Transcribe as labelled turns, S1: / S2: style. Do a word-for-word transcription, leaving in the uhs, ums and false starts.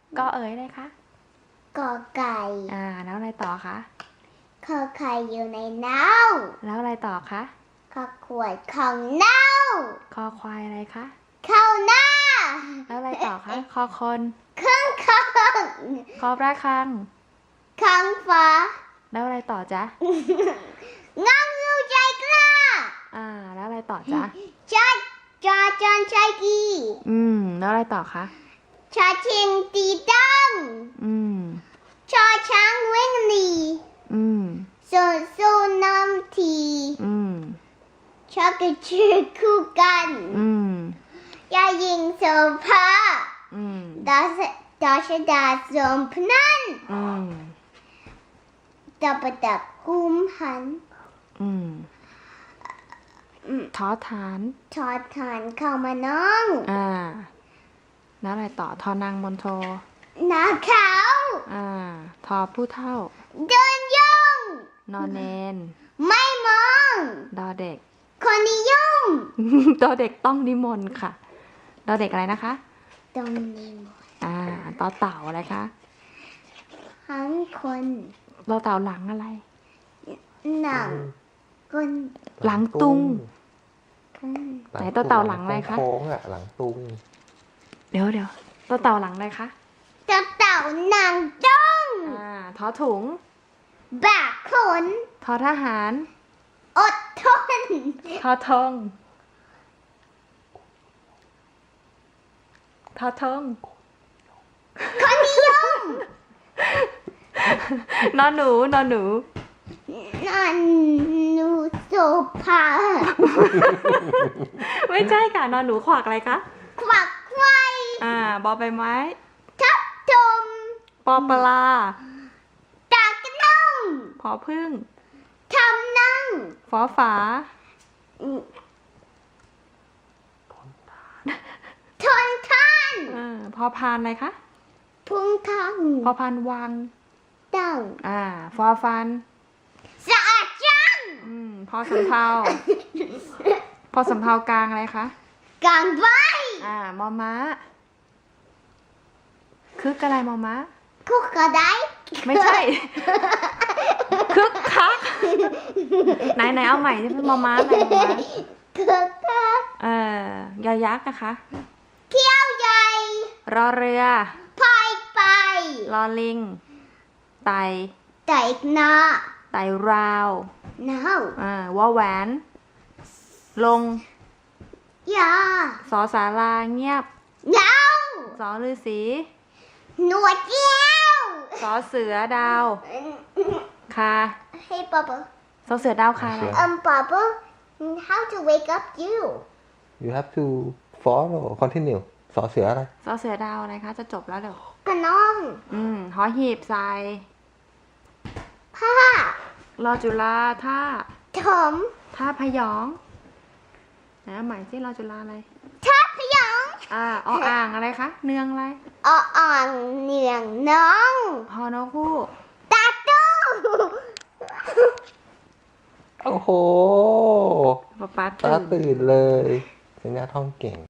S1: ก็เอ๋ยเลยคะ
S2: กอไก่
S1: อ่าแล้วอะไรต่อคะ
S2: ขอไข่อยู่ในเน่า
S1: แล้วอะไรต่อคะ
S2: ขอขวดของเน่า
S1: คอควายอะไรคะ
S2: เข้าหน้า
S1: แล้วอะไรต่อคะคอคน
S2: เครื่องข้าง
S1: คอระฆัง
S2: ข้างฟ้า
S1: แล้วอะไรต่อจ๊ะ
S2: งังงูใจกล้า
S1: อ่าแล้วอะไรต่อจ๊ะ
S2: ชาจาจอนชายกี
S1: อืมแล้วอะไรต่อคะ
S2: ชาเชิงตีดัง
S1: อืม
S2: ชอช้างวิ่งหนี
S1: อืม
S2: โซโซน้ำที
S1: อืม
S2: ชอบกระชื่อคู่กัน
S1: อืม
S2: ยายิงโซฟา
S1: อืม
S2: ดาสดาชดาสมพนัน
S1: อืม
S2: ตะปะตักกุมหัน
S1: อืมท้อฐาน
S2: ทอดฐานเข้ามาน้อง
S1: อ่าแล้วอะไรต่อทอนางมนโท
S2: นาเขา
S1: อ่าทอผู้เท่า
S2: เดินย่อง
S1: นอนเนน
S2: ไม่มอง
S1: ดอเด็ก
S2: คนนิยม
S1: ดอเด็กต้องนิมนต์ค่ะดอเด็กอะไรนะคะ
S2: ต้องนิมนต์
S1: อ่าต่อเต่าอะไรคะ
S2: ทั้งคน
S1: ต่อเต่าหลังอะไร
S2: หนังคน
S1: หลังตุง
S2: คน
S1: ไหนต่อเต่าหลังอะไรคะ
S3: โค้งๆอ่ะหลังตุง
S1: เดี๋ยวเดี๋ยวต่อเต่าหลังอะไรคะ
S2: เจ้าเต่าหนังจ้อง
S1: อ่าทอถุง
S2: แบกขน
S1: ทอทหาร
S2: อดทน
S1: ทอทงทอทง
S2: คนนิยม
S1: นอนหนูนอนหนู
S2: นันนูโซภา
S1: ไม่ใช่ค่ะนอนหนูขวากอะไรคะ
S2: ควักไขว้
S1: อ่าบอใบไม้
S2: ทับทม
S1: ปอปลา
S2: ตากนั่ง
S1: พอพึ่ง
S2: ทำนั่ง
S1: ฟอฝา
S2: ทนท่าน
S1: อ่าพอพานอะไรคะ
S2: พุงทัง
S1: พอพานวัง
S2: ตั้ง
S1: อ่าฟอฟัน
S2: สะอาดจัง
S1: อืมพอสำเภา พอสำเภากลางอะไรคะ
S2: กางไว้
S1: อ่ามอม้าคึกอะไรมอม้า
S2: คุกกระได
S1: ไม่ใช่ คึกคักไหนไหนเอาใหม่ที่เป็นมอม้าไหนมอม้า
S2: คึกคัก
S1: เอ่อยอยักษ์นะคะ
S2: เขี้ยวใหญ่
S1: รอเรือ
S2: พายไป
S1: รอลิง ไต
S2: แต่อีกหน้า
S1: ไตราว
S2: หนาว
S1: อ่าวอแหวน ลง
S2: ยา
S1: สอสาราเงียบ
S2: หนาว
S1: สอฤาษี
S2: หนวดแก้ว
S1: สอเสือดาว คา
S2: Hey Papa
S1: สอเสือดาวคาอะไร
S2: um Papa how to wake up you
S3: you have to follow continue สอเสืออะไร
S1: สอเสือดาวอะไรคะ จะจบแล้วเดี๋ยว
S2: กระน้อง
S1: อืมหอหีบใส่
S2: ผ้าร
S1: อจุฬาท่า
S2: ถม
S1: ท่าพยองนะหมายที่รอจุฬาอะไร
S2: ทับพยอง
S1: อ่าออ่างอะไรคะ เนืองอะไร
S2: ออ่างเหนียงน้อง
S1: ฮอนกคู่
S2: ตาตู้
S3: โอ้โห
S1: ป๊าป๊า
S3: ตา
S1: ตื่น
S3: ตื่นเลยสัญญาท่องเก่ง